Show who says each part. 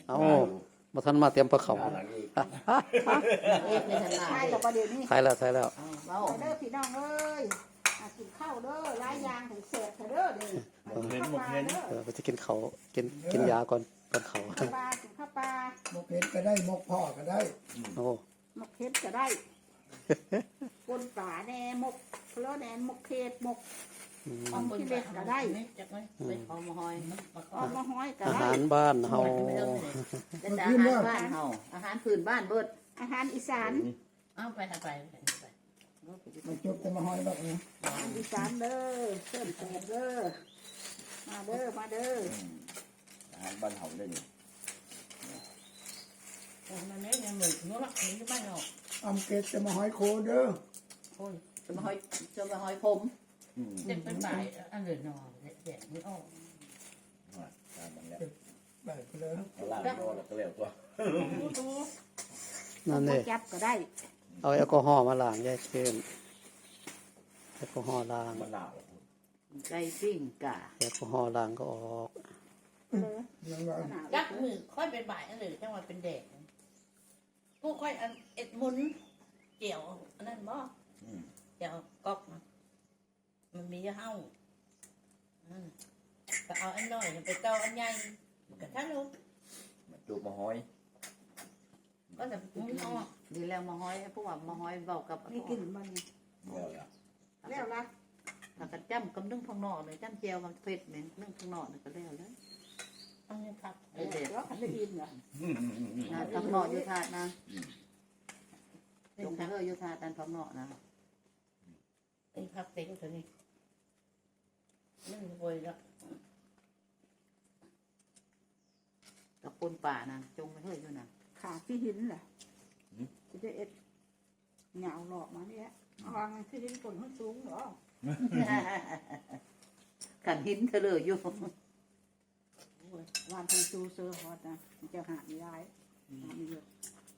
Speaker 1: เอามาทันมาเตรียมปลาเขา
Speaker 2: เอกในทลาย
Speaker 3: ใช่กับประเดี๋ยวนี้
Speaker 1: ถ่ายแล้วถ่ายแล้ว
Speaker 2: เบ้า
Speaker 3: เด้อพี่น้องเอ้ยกินข้าวเด้อหลายอย่างถึงเสร็จเด้อเด้อ
Speaker 4: หมกเห็น
Speaker 1: ไปจะกินเขากินยาก่อนเขา
Speaker 3: ปลากินข้าวปลา
Speaker 5: หมกเห็ดก็ได้หมกพ่อก็ได้
Speaker 1: โอ้
Speaker 3: หมกเห็ดก็ได้ปนปลาแหน่หมกเพลอแหน่หมกเห็ดหมกออมขี้เล็กก็ได้
Speaker 2: จักไหมไปเอามาหอย
Speaker 3: ออมมะฮ้อยก็
Speaker 1: อา
Speaker 3: ได้
Speaker 1: หารบ้านเฮา
Speaker 2: เป็นอาหารบ้านเฮาอาหารพื้นบ้านเบิด
Speaker 3: อาหารอีสาน
Speaker 2: เอาไปไป
Speaker 5: มันจุดจะมาห้อยแบบนี้
Speaker 3: อาหารอีสานเด้อเชิญแขกเด้อมาเด้อมาเด้อ
Speaker 4: อาหารบ้านเฮาได้นี่
Speaker 2: มันไม่ยังเหมือนเมื่อวันนี้บ้านเฮา
Speaker 5: อำเกตจะมาห้อยโคเด้อ
Speaker 2: โอ้ยจะมาหอยผม เด็กเป็นบ่ายอันเดือดนอนแดดไม่ออก
Speaker 4: ตามมันแล้ว
Speaker 5: แบบไปเลย
Speaker 4: ล่างโดนแล้วก็แล้วตัว
Speaker 1: นั่น
Speaker 3: หม
Speaker 1: นี่
Speaker 3: กจับก็ได้
Speaker 1: เอาแอลกอฮอล์มาล้างยายเชิญแอลกอฮอล์ล้าง
Speaker 4: มันหนาว
Speaker 2: ไก่ปิ้งกะ
Speaker 1: แอลกอฮอล์ล้างก็ออก
Speaker 3: เลย
Speaker 5: ยังว่า
Speaker 2: ยักมือค่อยเป็นบ่ายอันเดือดจังหวะเป็นแดดผู้ค่อยอันเอ็ดมุนเจียวอันนั้นบ่เจียวก๊อกมันมีเห่าก็เอาอันน้อยไปเกาอันใหญ่กระทั่งลูก
Speaker 4: มันจูบมาห้อย
Speaker 2: ก็จะมุนเอาดีแล้วมาห้อยพวกว่ามาห้อยเบากับ
Speaker 3: นี่กินมันนี่
Speaker 4: แล้วล่ะ
Speaker 3: แล้วละ
Speaker 2: ถ้าจ้ำกับนึ่งข้างนอกเลยจ้ำเจียวกับเผ็ดเหม็นนึ่งข้างนอกก็แล้วแล้วอันนี้ครับ
Speaker 3: เดี๋ยวขันได้ยินเหรอ
Speaker 2: ข้างนอกอยู่ถาดนะจงเธออยู่ถาดอันข้างนอกนะไอ้พักเต็งเท่านี้นึ่งโวยแล้วกับปนป่านะจงไปเฮ้ยอยู่นะ
Speaker 3: ขาพี่หินเหรอจะได้เอ็ดเหงาหลอกมาเนี่ยวางพี่หินคนมันสูงเหรอ
Speaker 2: ขันหินเธอเลยอยู่
Speaker 3: วานไทยซูเซอร์ฮอตนะมันจะหาไม่ได้หาไม่เยอะ